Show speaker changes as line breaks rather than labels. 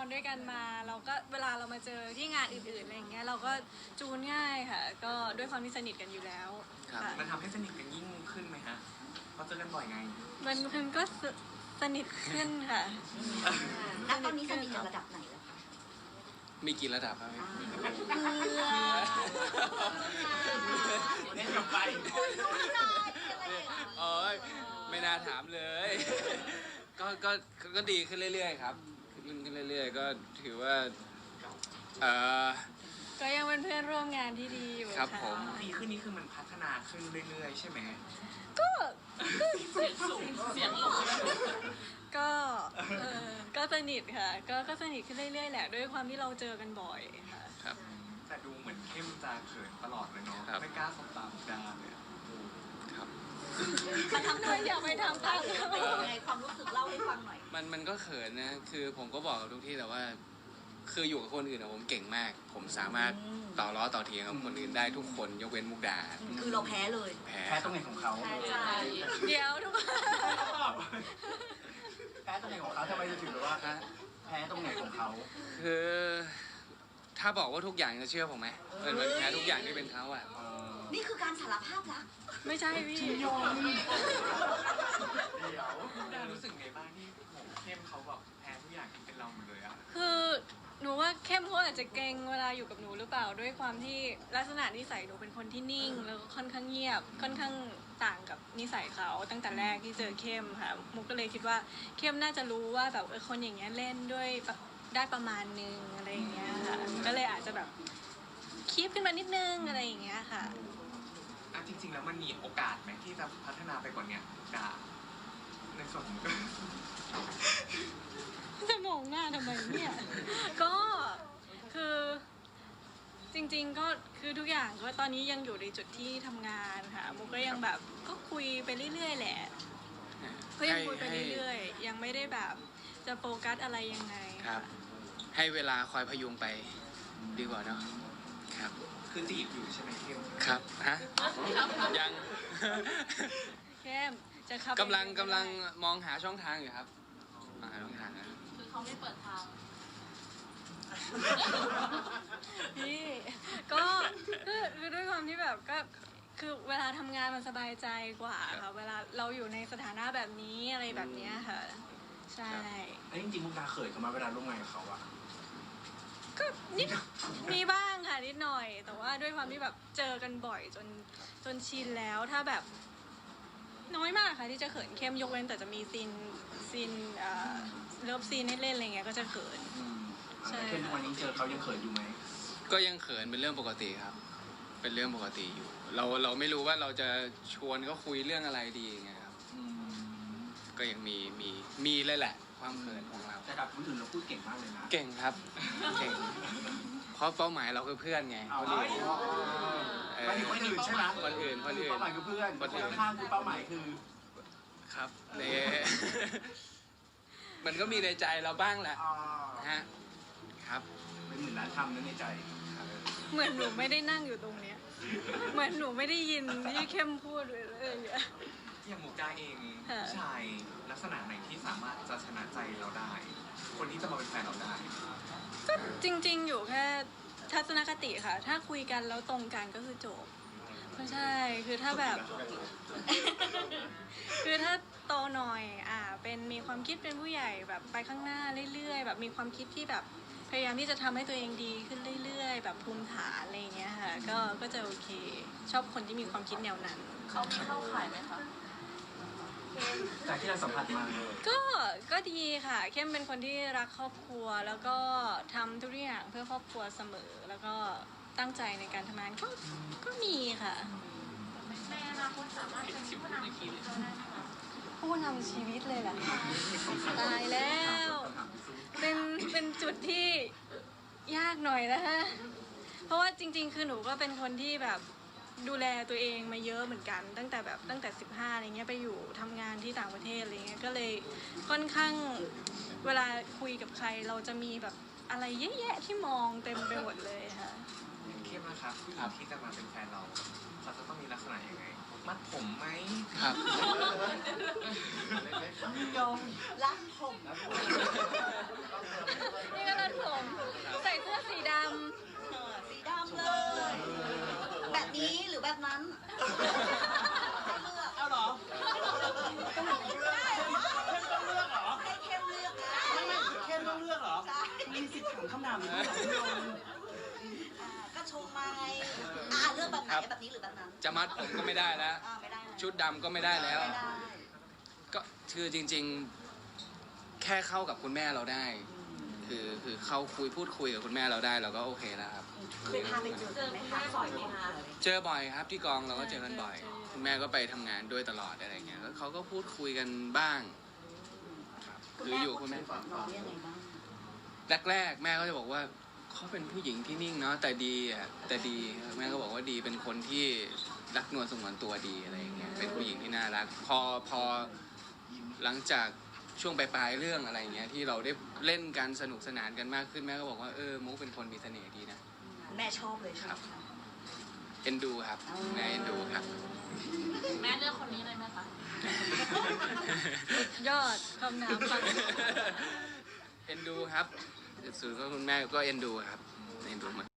ด้วยกันมาเราก็เวลาเรามาเจอที่งานอื่นๆอะไรอย่างเงี้ยเราก็จูนง่ายค่ะ ก็ด้วยความที่สนิทกันอยู่แล้ว
ครับ
ค่ะ
มันทำให้สนิทกันยิ่งขึ้นไหมฮะเพราะเจอกันบ่อยไง
มันก็สนิทขึ้นค่ะ
ณตอนนี้สนิทกันระดับไหนแล้วคะ
มีกี่ระดับครับพี่
เล่นกับไป
โอ้ยไม่น่าถามเลย ก็ดีขึ้นเรื่อยๆครับขึ้นเรื่อยๆก็ถือว่า
ก็ยังเป็นเพื่อนร่วมงานที่ดีอยู่
ครับ
ค่ะ
ผม
ดีขึ้นนี่คือมันพัฒนาขึ้นเรื่อยๆใช่ไหม
ก็ก็สนิทค่ะ ก็สนิทขึ้นเรื่อยๆแหละด้วยความที่เราเจอกันบ่อยค่ะ
ครับ
แต่ดูเหมือนเข้มจะเขินตลอดเลยเนาะ
ครับ
ไม่กล้าสบตามุกดาเลยอะ
ครับ
มันทำ
ด้วยอย่าไปทำตาม
เป็นยังไงความรู้สึกเล่าให้ฟังหน่อย
มันก็เขินนะคือผมก็บอกกับทุกที่แต่ว่า คืออยู่กับคนอื่นอะผมเก่งมาก ผมสามารถต่อล้อต่อเถียงกับคนอื่นได้ทุกคนยกเว้นมุกดา
คือเราแพ้เลย
แพ้
แพ้ตรงไหนของเขา
ใช่
เดี๋ยวทุกคน
แพ้ตรงไหนของเขาทำไมจะถือว่าแพ้ตรงไหนของเขา
คือถ้าบอกว่าทุกอย่างจะเชื่อผมไหมมันแพ้ทุกอย่างที่เป็นเขาอะ
นี่คือการสารภาพรัก
ไม่ใช่พี่
เดี๋ยวมุกดารู้สึกไงบ้างที่ผมเข้มเขาแบบแพ้ทุกอย่างที่เป็นเราหมดเลยอะ
คือหนูว่าเข้มเขาอาจจะเกรงเวลาอยู่กับหนูหรือเปล่าด้วยความที่ลักษณะนิสัยหนูเป็นคนที่นิ่ง แล้วก็ค่อนข้างเงียบค่อนข้างต่างกับนิสัยเขาตั้งแต่แรกที่เจอเข้มค่ะมุกก็เลยคิดว่าเข้มน่าจะรู้ว่าแบบคนอย่างเงี้ยเล่นด้วยได้ประมาณนึงอะไรอย่างเงี้ยค่ะก็เลยอาจจะแบบคีบขึ้นมานิดนึงอะไรอย่างเงี้ยค่ะ
อ่ะจริงๆแล้วมันมีโอกาสไหมที่จะพัฒนาไปกว่าเนี้ยดาในส่วนของ
จะมองหน้าทำไมเนี่ย ก็คือจริงๆก็คือทุกอย่างก็ตอนนี้ยังอยู่ในจุดที่ทำงานค่ะมุกก็ยังแบบก็คุยไปเรื่อยๆแหละก็ยังคุยไปเรื่อยๆยังไม่ได้แบบจะโฟกัสอะไรยังไง
ครับ ให้เวลาคอยพยุงไปดีกว่าเนาะครับ
คือจีบอยู่ใช่ไหมเข้ม
ครับฮะยัง
เข้มจะขับ
กำลังมองหาช่องทางอยู่ครับมองหาช่องทางนะ
คือเขาไม่เปิดทาง
พี่ก็คือด้วยความที่แบบก็คือเวลาทำงานมันสบายใจกว่าค่ะเวลาเราอยู่ในสถานะแบบนี้อะไรแบบเนี้ยค่ะ ใช่
ไอ้จริงๆมุกดาเขินกันมาเวลาร่วมงานกับเขาอะ
ก็นิดมีบ้างค่ะนิดหน่อย แต่ว่าด้วยความที่แบบเจอกันบ่อยจนชินแล้วถ้าแบบน้อยมากค่ะที่จะเขินเข้มยกเว้นแต่จะมีซีนเลิฟซีนให้เล่นอะไรเงี้ยก็จะเขิน ใช่
แต่เข้มทุกวันนี้เจอเขายังเขินอยู่ไหม
ก็ยังเขินเป็นเรื่องปกติครับ เป็นเรื่องปกติอยู่ เราไม่รู้ว่าเราจะชวนเขาคุยเรื่องอะไรดีไงครับ
อืม
ก็ยังมีเลยแหละ ความเขินของเรา
แต่กับคนอื่นเราพูดเก่งมากเลยนะ
เก่งครับ เก่ง เพราะเป้าหมายเราคือเพื่อนไง
เอา
คน
เล
อื่
ย
น
ไม่ถึงคนอื่นใช่ไหม
คนอื่น
เป้าหมายคือเพื่อน
คนอื่น
ข้างๆคือเป้าหมายคือ
ครับเนี่ย มันก็มีในใจเราบ้างแหละ
อ่า
ฮะครับ
เป็นหมื่นล้านคำนั้นในใจ
เหมือนหนูไม่ได้นั่งอยู่ตรงเนี้ยเหมือนหนูไม่ได้ยินที่เข้มพูดเลยอะ
อย่างมุกดาเอง
ค่ะ
ผู้ชายลักษณะไหนที่สามารถจะชนะใจเราได้ คนที่จะมาเป็นแฟนเราได้
ก็จริงๆอยู่แค่ทัศนคติค่ะ ถ้าคุยกันแล้วตรงกันก็คือจบไม่ใช่คือถ้าแบบ คือถ้าโตหน่อยเป็นมีความคิดเป็นผู้ใหญ่แบบไปข้างหน้าเรื่อยๆแบบมีความคิดที่แบบพยายามที่จะทำให้ตัวเองดีขึ้นเรื่อยๆแบบภูมิฐานอะไรอย่างเงี้ยค่ะก็จะโอเค ชอบคนที่มีความคิดแนวนั้น
เขามีเข้าข่ายไหมคะ
จากที่เราสัมผัสมา
ก็ดีค่ะเข้มเป็นคนที่รักครอบครัวแล้วก็ทำทุกอย่างเพื่อครอบครัวเสมอ แล้วก็ตั้งใจในการทำงานก็มีค่ะ
ในอนาคตสามารถเป็นผู้นำทีมเราได้ไหมคะ
ผู้นำชีวิตเลยเหรอคะตายแล้ว เป็นจุดที่ยากหน่อยนะคะเพราะว่าจริงๆ คือหนูก็เป็นคนที่แบบดูแลตัวเองมาเยอะเหมือนกัน ตั้งแต่15อะไรเงี้ยไปอยู่ทำงานที่ต่างประเทศอะไรเงี้ยก็เลยค่อนข้างเวลาคุยกับใครเราจะมีแบบอะไรเยอะแยะที่มองเต็มไปหมดเลยค่ะ
อย่างเข้มนะครับผู้หญิงที่จะมาเป็นแฟนเราเขาจะต้องมีลักษณะยังไง มัดผมไหม
ครับ
ยอมรักผม
นี่ก็เรา
เอาเหรอเข้มต้องเลือกเหรอเข้มต้องเลือกเหรอมีสิทธิ์ถามคำถามนี้เหรอคุณโยม
ก็ชมมาไงเลือกแบบไหนแบบนี้หรือแบบนั้น
จะมัดผมก็ไม่ได้แล้ว
ไม่ได้
ชุดดำก็ไม่ได้แล้ว
ไม่ได้
ก็คือจริงๆ แค่เข้ากับคุณแม่เราได้ คือเข้าพูดคุยกับคุณแม่เราได้เราก็โอเคแล้วครับ
เคยพาไปเจอไหมคะบ่อยไหมคะ
เจอบ่อยครับที่กองเราก็เจอกันบ่อย คุณแม่ก็ไปทำงานด้วยตลอดอะไรเงี้ยแล้วเขาก็พูดคุยกันบ้างครับคืออยู่คุณแม่
น้องยังไงบ้าง
แรกๆแม่ก็จะบอกว่าเขาเป็นผู้หญิงที่นิ่งเนาะแต่ดีอ่ะแต่ดีแม่ก็บอกว่าดีเป็นคนที่รักนวลสงวนตัวดีอะไรอย่างเงี้ยเป็นผู้หญิงที่น่ารักพอหลังจากช่วงปลายๆเรื่องอะไรเงี้ยที่เราได้เล่นกันสนุกสนานกันมากขึ้นแม่ก็บอกว่ามุกเป็นคนมีเสน่ห์ดีนะ
แม่ชอบเลยใช่ไหมคะ
เอ็นดูครับแม่เอ็นดูครับ
แม่เลือกคนนี้เลยไหมคะ
ยอดคำถามฟัง
เอ็นดูครับสุดก็คุณแม่ก็เอ็นดูครับเอ็นดูมาก